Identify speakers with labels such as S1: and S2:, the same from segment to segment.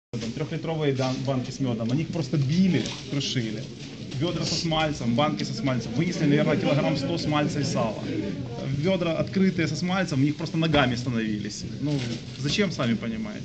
S1: Трехлитровые банки с медом, они их просто били, крушили. Ведра со смальцем, банки со смальцем. Вынесли, наверное, килограмм 100 смальца и сала. Ведра открытые со смальцем, в них просто ногами становились. Ну, зачем, сами понимаете?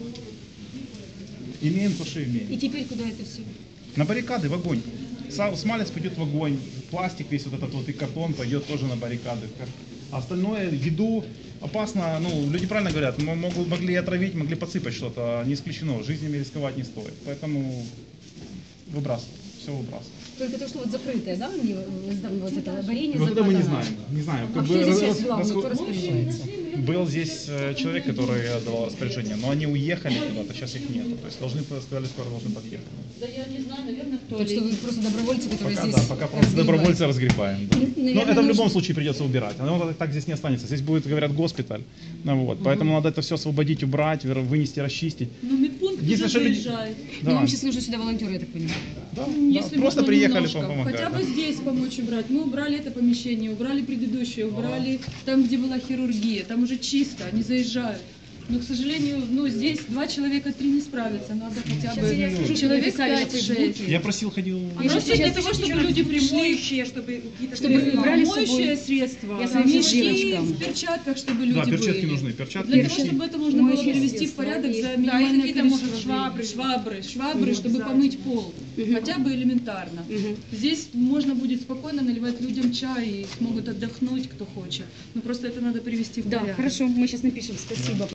S1: Имеем то, что имеем.
S2: И теперь куда это все?
S1: На баррикады, в огонь. Смалец пойдет в огонь, пластик весь вот этот вот и картон пойдет тоже на баррикады. А остальное, еду опасно, ну, люди правильно говорят, могли отравить, могли подсыпать что-то, не исключено, жизнями рисковать не стоит. Поэтому выбрасывать, все выбрасывать.
S2: Только то, что вот закрытое, да, вот это варенье
S1: Вот это мы
S2: закатано.
S1: не знаем.
S2: А кто здесь сейчас главный, кто распоряжается?
S1: Был здесь человек, который отдавал распоряжение, но они уехали куда-то, сейчас их нету. То есть сказали, скоро должны подъехать.
S3: Да я не знаю, наверное, кто.
S2: Так что вы просто добровольцы, которые
S1: Пока,
S2: здесь
S1: да, пока просто добровольцы разгребаем. Да.
S2: Наверное,
S1: Но это в любом
S2: нужно-
S1: случае придется убирать. Оно так здесь не останется. Здесь будет, говорят, госпиталь. Ну, вот. Поэтому надо это все освободить, убрать, вынести, расчистить.
S3: Ну, медпункт уже
S1: Если что люди-
S3: заезжает.
S2: Но
S1: Да.
S2: вам сейчас нужны сюда волонтеры, я так понимаю.
S1: Да,
S3: Если
S1: да. Просто
S3: можно
S1: приехали
S3: немножко,
S1: помогать.
S3: хотя бы
S1: Да.
S3: здесь помочь убрать. Мы убрали это помещение, убрали предыдущее, убрали там, где была хирургия. Там уже чисто, они заезжают. Но, к сожалению, ну, здесь 2 человека, 3 не справятся. Надо хотя бы человек
S2: написали на
S3: 5-6.
S2: Фейсбуке.
S1: Я просил, ходил...
S3: Просто
S2: сейчас
S3: для того, чтобы люди пришли,
S2: Чтобы брали с собой.
S3: моющее средство,
S2: Я сама сейчас
S3: мешки
S2: девочкам.
S3: в перчатках, чтобы люди
S1: Да, перчатки
S3: были.
S1: нужны. Перчатки.
S3: Для того, чтобы это можно было
S2: Моющее
S3: привести в
S2: средство.
S3: порядок за
S2: Да,
S3: минимальное
S4: какие-то, может,
S3: количество швабры, чтобы помыть пол. Хотя бы элементарно. Здесь можно будет спокойно наливать людям чай и смогут отдохнуть, кто хочет. Но просто это надо привести в
S2: Да,
S3: порядок.
S2: хорошо, мы сейчас напишем, спасибо.